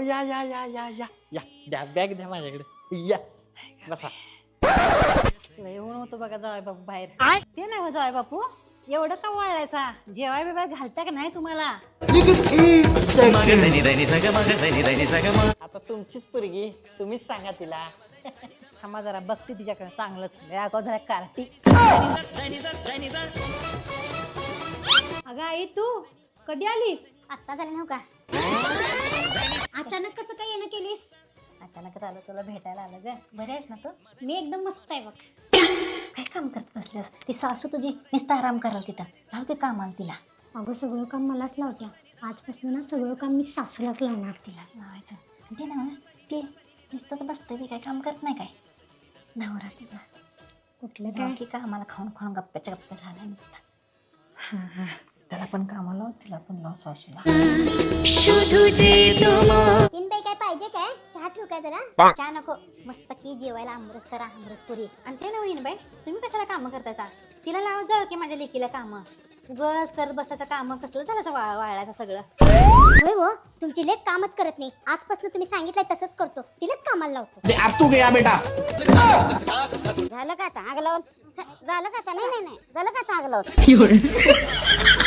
या या या या या या द्या बॅग द्या माझ्याकडे या बसा. लय ऊन होतं बघा जावाय बापू बाहेर. ते नाही हो जावाय बापू, एवढं का वळायचा? जेवाय बिवाय घालता का नाही तुम्हाला? आता तुमचीच पोरगी, तुम्हीच सांगा तिला. थांबा जरा बघते तिच्याकडे चांगलंच. अगं जरा कार्टी. अगं आई तू कधी आलीस? आत्ता झालं नव्ह का? अचानक कसं काय येणं केलीस? अचानकच आलं, तुला भेटायला आलं ग. बरी आहेस ना तू? मी एकदम मस्त आहे बघ. काय काम करत बसल्यास? ती सासू तुझी नुसतं आराम कराल तिथं. लाव ते काम आलं तिला. अगं सगळं काम मलाच लावत्या. आजपासून ना सगळं काम मी सासूलाच लावणार तिला. लावायचं ते ना ते नुसतंच बसते ते काय काम करत नाही काय? नवरा तिचा कुठलं काय काय? की कामाला खाऊन खाऊन गप्प्याच्या गप्प्या झाल्या नुसता. त्याला पण कामाला लाव, तिला पण लाव सासूला. तीन बाई काय पाहिजे काय? चहा ठेवू काय जरा? चहा नको, मस्त की जेवायला आमरस करा, आमरस पुरी. आणि ते नवीन बाई, तुम्ही कशाला कामं करतायचा? तिला लावत जाऊ की माझ्या लेकीला कामं. उगाच करत बसायचं काम कसलं झालं वाळायचं सगळं. होय हो, तुमची लेक कामच करत नाही. आजपासून तुम्ही सांगितलंय तसंच करतो. तिलाच कामाला लावतो. अब तू गया बेटा. झालं का आता आग लावून? झालं का आता? नाही नाही नाही, झालं का आता आग लावून?